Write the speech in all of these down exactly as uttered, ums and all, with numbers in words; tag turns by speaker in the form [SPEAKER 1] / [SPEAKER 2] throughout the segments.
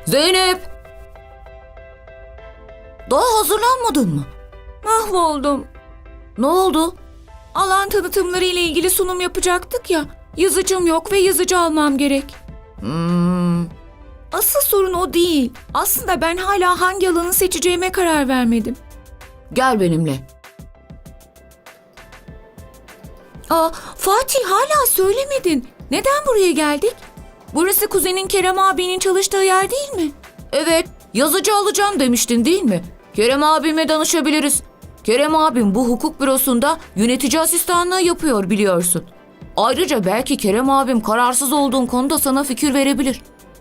[SPEAKER 1] Zeynep! Daha hazırlanmadın mı?
[SPEAKER 2] Mahvoldum.
[SPEAKER 1] Ne oldu?
[SPEAKER 2] Alan tanıtımları ile ilgili sunum yapacaktık ya. Yazıcım yok ve yazıcı almam gerek.
[SPEAKER 1] Hmm,
[SPEAKER 2] Asıl sorun o değil. Aslında ben hala hangi alanı seçeceğime karar vermedim.
[SPEAKER 1] gel benimle.
[SPEAKER 2] Aa, Fatih hala söylemedin. Neden buraya geldik? Burası kuzenin Kerem abinin çalıştığı yer değil mi?
[SPEAKER 1] Evet, yazıcı alacağım demiştin değil mi? Kerem abime danışabiliriz. Kerem abim bu hukuk bürosunda yönetici asistanlığı yapıyor biliyorsun. Ayrıca belki Kerem abim kararsız olduğun konuda sana fikir verebilir.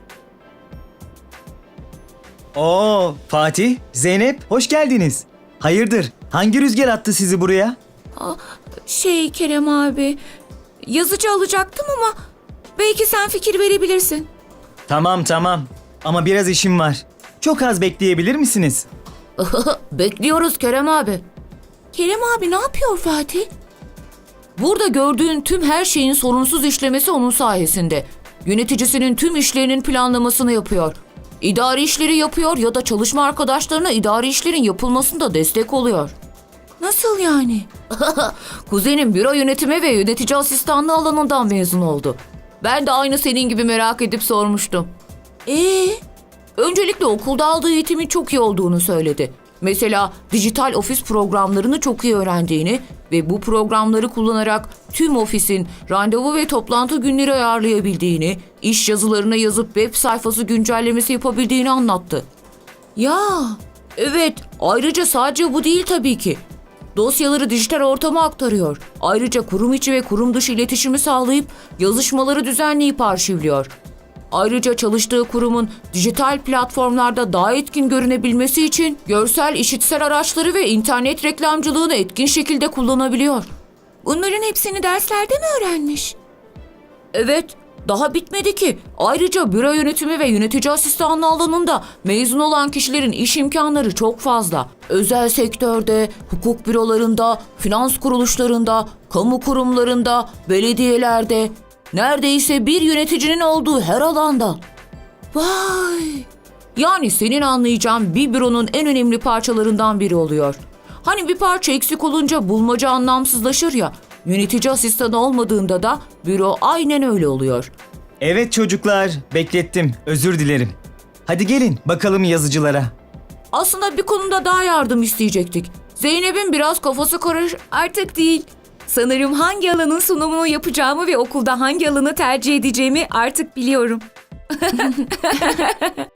[SPEAKER 3] Oo, Fatih, Zeynep, hoş geldiniz. Hayırdır, hangi rüzgar attı sizi buraya?
[SPEAKER 2] Aa, şey Kerem abi, yazıcı alacaktım ama belki sen fikir verebilirsin.
[SPEAKER 3] Tamam tamam, ama biraz işim var. Çok az bekleyebilir misiniz?
[SPEAKER 1] Bekliyoruz Kerem abi.
[SPEAKER 2] Kerem abi ne yapıyor Fatih?
[SPEAKER 1] Burada gördüğün tüm her şeyin sorunsuz işlemesi onun sayesinde. Yöneticisinin tüm işlerinin planlamasını yapıyor. İdari işleri yapıyor ya da çalışma arkadaşlarına idari işlerin yapılmasında destek oluyor.
[SPEAKER 2] Nasıl yani?
[SPEAKER 1] Kuzenim büro yönetimi ve yönetici asistanlığı alanından mezun oldu. Ben de aynı senin gibi merak edip sormuştum.
[SPEAKER 2] Ee,
[SPEAKER 1] Öncelikle okulda aldığı eğitimin çok iyi olduğunu söyledi. Mesela dijital ofis programlarını çok iyi öğrendiğini ve bu programları kullanarak tüm ofisin randevu ve toplantı günleri ayarlayabildiğini, iş yazılarına yazıp web sayfası güncellemesi yapabildiğini anlattı.
[SPEAKER 2] ya
[SPEAKER 1] Evet, ayrıca sadece bu değil tabii ki. Dosyaları dijital ortama aktarıyor. Ayrıca kurum içi ve kurum dışı iletişimi sağlayıp yazışmaları düzenleyip arşivliyor. Ayrıca çalıştığı kurumun dijital platformlarda daha etkin görünebilmesi için görsel işitsel araçları ve internet reklamcılığını etkin şekilde kullanabiliyor.
[SPEAKER 2] bunların hepsini derslerde mi öğrenmiş?
[SPEAKER 1] Evet, daha bitmedi ki. Ayrıca büro yönetimi ve yönetici asistanlığı alanında mezun olan kişilerin iş imkanları çok fazla. Özel sektörde, hukuk bürolarında, finans kuruluşlarında, kamu kurumlarında, belediyelerde, neredeyse bir yöneticinin olduğu her alanda.
[SPEAKER 2] Vay!
[SPEAKER 1] Yani senin anlayacağın bir büronun en önemli parçalarından biri oluyor. Hani bir parça eksik olunca bulmaca anlamsızlaşır ya, yönetici asistanı olmadığında da büro aynen öyle oluyor.
[SPEAKER 3] Evet çocuklar, beklettim, özür dilerim. Hadi gelin bakalım yazıcılara.
[SPEAKER 1] Aslında bir konuda daha yardım isteyecektik. Zeynep'in biraz kafası karış...
[SPEAKER 2] Artık değil. Sanırım hangi alanın sunumunu yapacağımı ve okulda hangi alanı tercih edeceğimi artık biliyorum.